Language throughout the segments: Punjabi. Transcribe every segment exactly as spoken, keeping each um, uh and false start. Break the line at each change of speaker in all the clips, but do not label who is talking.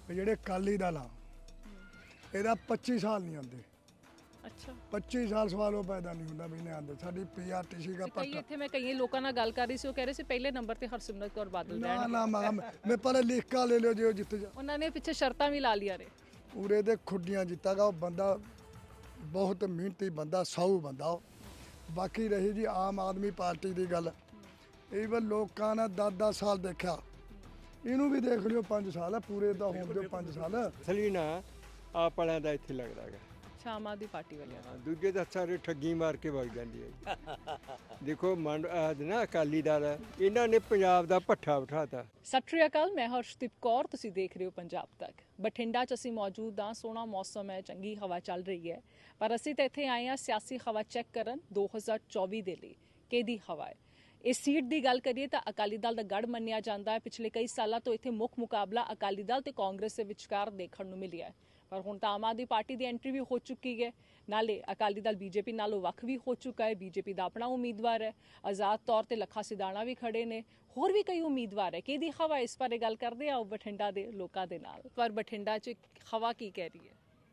ਵੀ ਜਿਹੜੇ ਅਕਾਲੀ ਦਲ ਆ ਇਹਦਾ ਪੱਚੀ ਸਾਲ ਨਹੀਂ ਆਉਂਦੇ।
ਅੱਛਾ,
ਪੱਚੀ ਸਾਲ ਸਵਾਲ ਉਹ ਪੈਦਾ ਨਹੀਂ ਹੁੰਦਾ ਵੀ ਨਹੀਂ ਆਉਂਦੇ। ਸਾਡੀ ਪੀਆਰਟੀਸੀ ਦਾ
ਕਈ
ਪੱਟ
ਇੱਥੇ ਮੈਂ ਕਈ ਲੋਕਾਂ ਨਾਲ ਗੱਲ ਕਰ ਰਹੀ ਸੀ, ਉਹ ਕਹਿ ਰਹੇ ਸੀ ਪਹਿਲੇ ਨੰਬਰ ਤੇ ਹਰਸਿਮਰਤ ਕੌਰ ਬਾਦਲ
ਨਾ
ਰਹਿਣਗੇ।
ਨਾ ਮੈਂ ਮੈਂ ਪਹਿਲੇ ਲਿਖਕਾ ਲੈ ਲਿਓ ਜੇ ਜਿੱਤ ਜਾ
ਉਹਨਾਂ ਨੇ ਪਿੱਛੇ ਸ਼ਰਤਾਂ ਵੀ ਲਾ ਲਈਆਂ ਨੇ।
ਉਰੇ ਦੇ ਖੁੱਡੀਆਂ ਜਿੱਤਾਗਾ ਉਹ ਬੰਦਾ ਬਹੁਤ ਮਿਹਨਤੀ ਬੰਦਾ, ਸਾਊ ਬੰਦਾ ਉਹ। ਬਾਕੀ ਰਹੀ ਜੀ ਆਮ ਆਦਮੀ ਪਾਰਟੀ ਦੀ ਗੱਲ, ਇਹ ਵੀ ਲੋਕਾਂ ਨੇ ਦਸ ਦਸ ਸਾਲ ਦੇਖਿਆ, ਇਹਨੂੰ ਵੀ ਦੇਖ ਲਿਓ ਪੰਜ ਸਾਲ ਆ ਪੂਰੇ ਦਾ ਹੋਣ ਦਿਓ ਪੰਜ ਸਾਲ।
ਅਸਲੀ ਨਾ ਆਪ ਵਾਲਿਆਂ ਦਾ ਇੱਥੇ ਲੱਗਦਾ ਹੈਗਾ।
ਅੱਛਾ, ਆਮ ਆਦਮੀ ਪਾਰਟੀ ਵਾਲਿਆਂ ਦਾ।
ਹਾਂ, ਦੂਜੇ ਤਾਂ ਸਾਰੇ ਠੱਗੀ ਮਾਰ ਕੇ ਵਗ ਜਾਂਦੀ ਹੈ ਜੀ। ਦੇਖੋ ਮੰਡ ਆਹ ਨਾ ਅਕਾਲੀ ਦਲ ਇਹਨਾਂ ਨੇ ਪੰਜਾਬ ਦਾ ਭੱਠਾ ਬਿਠਾਤਾ।
ਸਤਿ ਸ਼੍ਰੀ ਅਕਾਲ, ਮੈਂ ਹਰਸ਼ਦੀਪ ਕੌਰ, ਤੁਸੀਂ ਦੇਖ ਰਹੇ ਹੋ ਪੰਜਾਬ ਤੱਕ। ਬਠਿੰਡਾ 'ਚ ਅਸੀਂ ਮੌਜੂਦ ਹਾਂ, ਸੋਹਣਾ ਮੌਸਮ ਹੈ, ਚੰਗੀ ਹਵਾ ਚੱਲ ਰਹੀ ਹੈ, ਪਰ ਅਸੀਂ ਤਾਂ ਇੱਥੇ ਆਏ ਹਾਂ ਸਿਆਸੀ ਹਵਾ ਚੈੱਕ ਕਰਨ ਦੋ ਹਜ਼ਾਰ ਚੌਵੀ ਦੇ ਲਈ। ਕਿਹਦੀ ਹਵਾ ਹੈ? ਇਸ ਸੀਟ ਦੀ ਗੱਲ ਕਰੀਏ ਤਾਂ ਅਕਾਲੀ ਦਲ ਦਾ ਗੜ੍ਹ ਮੰਨਿਆ ਜਾਂਦਾ ਹੈ। ਪਿਛਲੇ ਕਈ ਸਾਲਾਂ ਤੋਂ ਇੱਥੇ ਮੁੱਖ ਮੁਕਾਬਲਾ ਅਕਾਲੀ ਦਲ ਤੇ ਕਾਂਗਰਸ ਦੇ ਵਿਚਕਾਰ ਦੇਖਣ ਨੂੰ ਮਿਲਿਆ ਹੈ, ਪਰ ਹੁਣ ਤਾਂ ਆਮ ਆਦਮੀ ਪਾਰਟੀ ਦੀ ਐਂਟਰੀ ਵੀ ਹੋ ਚੁੱਕੀ ਹੈ। ਨਾਲੇ ਅਕਾਲੀ ਦਲ ਬੀਜੇਪੀ ਨਾਲੋਂ ਵੱਖ ਵੀ ਹੋ ਚੁੱਕਾ ਹੈ। ਬੀਜੇਪੀ ਦਾ ਆਪਣਾ ਉਮੀਦਵਾਰ ਹੈ, ਆਜ਼ਾਦ ਤੌਰ ਤੇ ਲੱਖਾ ਸਿਧਾਣਾ ਵੀ ਖੜੇ ਨੇ, ਹੋਰ ਵੀ ਕਈ ਉਮੀਦਵਾਰ ਹੈ। ਕਿਹਦੀ ਹਵਾ ਇਸ ਬਾਰੇ ਗੱਲ ਕਰਦੇ ਆ ਬਠਿੰਡਾ ਦੇ ਲੋਕਾਂ ਦੇ ਨਾਲ। ਪਰ ਬਠਿੰਡਾ 'ਚ ਹਵਾ ਕੀ ਕਹਿ ਰਹੀ ਹੈ?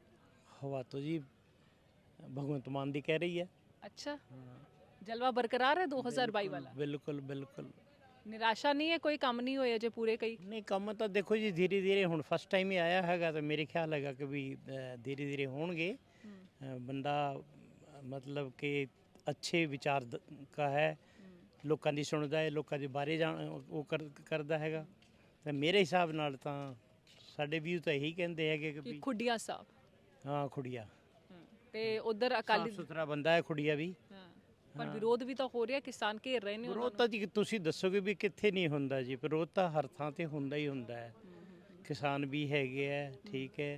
ਹਵਾ तो जी भगवंत मान दी कह रही है।
ਅੱਛਾ, ਜਲਵਾ ਬਰਕਰਾਰ ਹੈ ਦੋ ਹਜ਼ਾਰ ਬਾਈ ਵਾਲਾ?
बिल्कुल बिल्कुल
ਨਿਰਾਸ਼ਾ ਨਹੀਂ ਹੈ? ਕੋਈ ਕੰਮ ਨਹੀਂ ਹੋਇਆ ਜੇ ਪੂਰੇ ਕਈ?
नहीं ਕੰਮ ਤਾਂ ਦੇਖੋ ਜੀ ਧੀਰੇ ਧੀਰੇ ਹੁਣ ਫਸਟ ਟਾਈਮ ਹੀ ਆਇਆ ਹੈਗਾ ਤਾਂ ਮੇਰੇ ਖਿਆਲ ਹੈਗਾ ਕਿ ਵੀ ਧੀਰੇ ਧੀਰੇ ਹੋਣਗੇ। ਅ, ਬੰਦਾ ਮਤਲਬ ਕਿ ਅੱਛੇ ਵਿਚਾਰ ਦ- ਕਾ ਹੈ, ਲੋਕਾਂ ਦੀ ਸੁਣਦਾ ਹੈ, ਲੋਕਾਂ ਦੇ ਬਾਰੇ ਜਾਣ ਉਹ ਕਰ- ਕਰਦਾ ਹੈਗਾ। ਤਾਂ ਮੇਰੇ ਹਿਸਾਬ ਨਾਲ ਤਾਂ ਸਾਡੇ ਵੀ ਤਾਂ ਇਹੀ ਕਹਿੰਦੇ ਹੈਗੇ ਕਿ
ਕਿ
ਵੀ
ਖੁੱਡੀਆਂ ਸਾਹਿਬ
ਹਾਂ ਖੁੜੀਆ
ਤੇ ਉਧਰ ਅਕਾਲੀ
ਸਾਫ ਸੁਥਰਾ ਬੰਦਾ ਹੈ ਖੁੜੀਆ ਵੀ।
ਹਾਂ, ਪਰ ਵਿਰੋਧ ਵੀ ਤਾਂ ਹੋ ਰਿਹਾ, ਕਿਸਾਨ ਘੇਰ ਰਹੇ ਨੇ ਉਹਨਾਂ
ਵਿਰੋਧ ਤਾਂ ਜੀ ਤੁਸੀਂ ਦੱਸੋਗੇ ਵੀ ਕਿੱਥੇ ਨਹੀਂ ਹੁੰਦਾ ਜੀ। ਵਿਰੋਧ ਤਾਂ ਹਰ ਥਾਂ ਤੇ ਹੁੰਦਾ ਹੀ ਹੁੰਦਾ ਹੈ। ਕਿਸਾਨ ਵੀ ਹੈਗੇ ਆ, ਠੀਕ ਹੈ,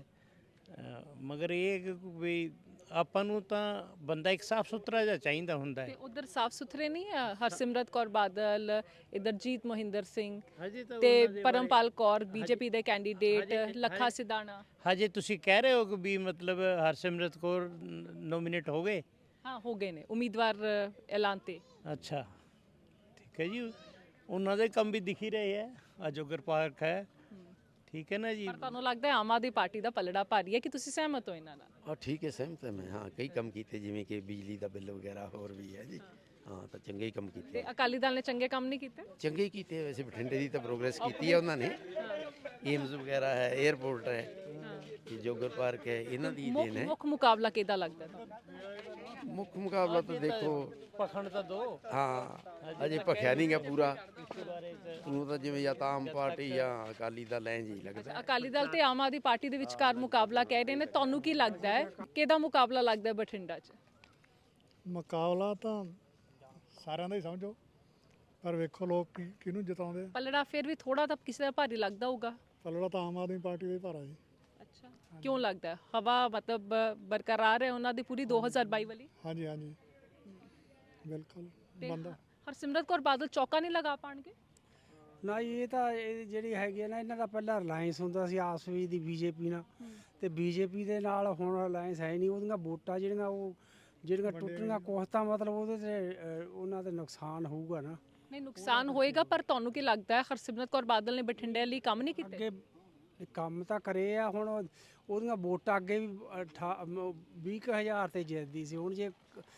ਅ, ਮਗਰ ਇਹ ਹੈ ਕਿ ਵੀ ਆਪਾਂ ਨੂੰ ਤਾਂ ਬੰਦਾ ਇੱਕ ਸਾਫ ਸੁਥਰਾ ਜਿਹਾ ਚਾਹੀਦਾ ਹੁੰਦਾ
ਤੇ
ਹੈ।
ਉਧਰ ਸਾਫ ਸੁਥਰੇ ਨਹੀਂ ਆ? ਹਰਸਿਮਰਤ ਕੌਰ ਬਾਦਲ, ਇਧਰ ਜੀਤ ਮੋਹਿੰਦਰ ਸਿੰਘ
ਹਜੇ ਤਾਂ
ਤੇ
ਉਹਨਾਂ ਦੇ
ਪਰਮਪਾਲ ਕੌਰ ਬੀਜੇਪੀ ਦੇ
ਹਜੇ-
ਕੈਂਡੀਡੇਟ,
ਹਜੇ-
ਲੱਖਾ ਸਿਧਾਣਾ।
ਹਜੇ ਤੁਸੀਂ ਕਹਿ ਰਹੇ ਹੋ ਕਿ ਵੀ ਮਤਲਬ ਹਰਸਿਮਰਤ ਕੌਰ ਨੋਮੀਨੇਟ ਹੋ ਗਏ?
ਹਾਂ, ਹੋ ਗਏ ਨੇ ਉਮੀਦਵਾਰ ਐਲਾਨ ਤੇ।
ਅੱਛਾ, ਠੀਕ ਹੈ ਜੀ, ਉਹਨਾਂ ਦੇ ਕੰਮ ਵੀ ਦਿਖ ਹੀ ਰਹੇ ਹੈ। ਅਜੋਗਰ ਪਾਰਕ ਹੈ, ਠੀਕ ਹੈ ਨਾ ਜੀ।
ਪਰ ਤੁਹਾਨੂੰ ਲੱਗਦਾ ਹੈ ਆਮ ਆਦਮੀ ਪਾਰਟੀ ਦਾ ਪਲੜਾ ਭਾਰੀ ਹੈ ਕਿ ਤੁਸੀਂ ਸਹਿਮਤ ਹੋ ਇਹਨਾਂ ਨਾਲ?
ਹਾਂ ਠੀਕ ਹੈ, ਸਹਿਮਤ ਹਾਂ ਮੈਂ। ਹਾਂ ਕਈ ਕੰਮ ਕੀਤੇ ਜਿਵੇਂ ਕਿ ਬਿਜਲੀ ਦਾ ਬਿੱਲ ਵਗੈਰਾ ਹੋਰ ਵੀ ਹੈ ਜੀ। ਹਾਂ ਤਾਂ ਚੰਗੇ ਹੀ ਕੰਮ ਕੀਤੇ,
ਤੇ ਅਕਾਲੀ ਦਲ ਨੇ ਚੰਗੇ ਕੰਮ ਨਹੀਂ ਕੀਤੇ?
ਚੰਗੇ ਹੀ ਕੀਤੇ। ਵੈਸੇ ਬਠਿੰਡੇ ਦੀ ਤਾਂ ਪ੍ਰੋਗਰੈਸ ਕੀਤੀ ਹੈ ਉਹਨਾਂ ਨੇ। ਏਮਜ਼ ਵਗੈਰਾ ਹੈ, 에ਅਰਪੋਰਟ ਹੈ, ਇਹ ਜੋਗਰ ਪਾਰਕ ਹੈ, ਇਹਨਾਂ ਦੀ
ਮੁੱਖ
ਦੇਣ ਹੈ।
ਮੁੱਖ ਮੁਕਾਬਲਾ ਕਿਹਦਾ ਲੱਗਦਾ ਤੁਹਾਨੂੰ?
ਮੁੱਖ ਮੁਕਾਬਲਾ ਤਾਂ ਦੇਖੋ,
ਪਖੰਡ ਤਾਂ ਦੋ
ਹਾਂ ਅਜੇ ਭਖਿਆ ਨਹੀਂ ਗਾ ਪੂਰਾ। ਉਹਨੂੰ ਤਾਂ ਜਿਵੇਂ ਜਾਂ ਤਾਂ ਆਮ ਪਾਰਟੀ ਜਾਂ ਅਕਾਲੀ ਦਲ ਐਂ ਜੀ ਲੱਗਦਾ।
ਅਕਾਲੀ ਦਲ ਤੇ ਆਮ ਆਦਮੀ ਪਾਰਟੀ ਦੇ ਵਿਚਕਾਰ ਮੁਕਾਬਲਾ ਕਹਿ ਰਹੇ ਨੇ, ਤੁਹਾਨੂੰ ਕੀ ਲੱਗਦਾ ਹੈ ਕਿਹਦਾ ਮੁਕਾਬਲਾ ਲੱਗਦਾ ਹੈ ਬਠਿੰਡਾ 'ਚ?
ਮੁਕਾਬਲਾ ਤਾਂ ਸਾਰਿਆਂ ਦਾ ਹੀ ਸਮਝੋ, ਪਰ ਵੇਖੋ ਲੋਕ ਕੀ ਕਿਹਨੂੰ ਜਿਤਾਉਂਦੇ।
ਪਲੜਾ ਫਿਰ ਵੀ ਥੋੜਾ ਤਾਂ ਕਿਸੇ ਦਾ ਭਾਰੀ ਲੱਗਦਾ ਹੋਊਗਾ।
ਪਲੜਾ ਤਾਂ ਆਮ ਆਦਮੀ ਪਾਰਟੀ ਦਾ ਹੀ ਭਾਰਾ ਜੀ।
ਅੱਛਾ, ਕਿਉਂ ਲੱਗਦਾ ਹੈ? ਹਵਾ ਮਤਲਬ ਬਰਕਰਾਰ ਹੈ ਉਹਨਾਂ ਦੀ ਪੂਰੀ ਦੋ ਹਜ਼ਾਰ ਬਾਈ ਵਾਲੀ?
ਹਾਂਜੀ ਹਾਂਜੀ ਬਿਲਕੁਲ।
ਤੇ
ਬੰਦਾ
ਹਰਸਿਮਰਤ ਕੌਰ ਬਾਦਲ ਚੌਕਾ ਨਹੀਂ ਲਗਾ ਪਾਣਗੇ?
ਨਾ ਜੀ, ਇਹ ਤਾਂ ਇਹ ਜਿਹੜੀ ਹੈਗੀ ਆ ਨਾ, ਇਹਨਾਂ ਦਾ ਪਹਿਲਾਂ ਰਿਲਾਇੰਸ ਹੁੰਦਾ ਸੀ ਆਪਸ ਵਿੱਚ ਦੀ ਬੀਜੇਪੀ ਨਾਲ, ਤੇ ਬੀਜੇਪੀ ਦੇ ਨਾਲ ਹੁਣ ਰਿਲਾਇੰਸ ਹੈ ਨਹੀਂ। ਉਹਦੀਆਂ ਵੋਟਾਂ ਜਿਹੜੀਆਂ ਉਹ ਜਿਹੜੀਆਂ ਟੁੱਟਣੀਆਂ ਕੁਛ ਤਾਂ ਮਤਲਬ ਉਹਦੇ ਤੇ ਅ, ਉਹਨਾਂ ਤੇ ਨੁਕਸਾਨ ਹੋਊਗਾ ਨਾ।
ਨਹੀਂ, ਨੁਕਸਾਨ ਹੋਏਗਾ, ਪਰ ਤੁਹਾਨੂੰ ਕੀ ਲੱਗਦਾ ਹੈ ਹਰਸਿਮਰਤ ਕੌਰ ਬਾਦਲ ਨੇ ਬਠਿੰਡੇ ਲਈ ਕੰਮ ਨਹੀਂ ਕੀਤੇ?
ਅੱਗੇ ਇਹ ਕੰਮ ਤਾਂ ਕਰੇ ਆ, ਹੁਣ ਉਹ- ਉਹਦੀਆਂ ਵੋਟਾਂ ਅੱਗੇ ਵੀ ਵੀਹ ਕੁ ਹਜ਼ਾਰ ਤੇ ਜਿੱਤਦੀ ਸੀ। ਹੁਣ ਜੇ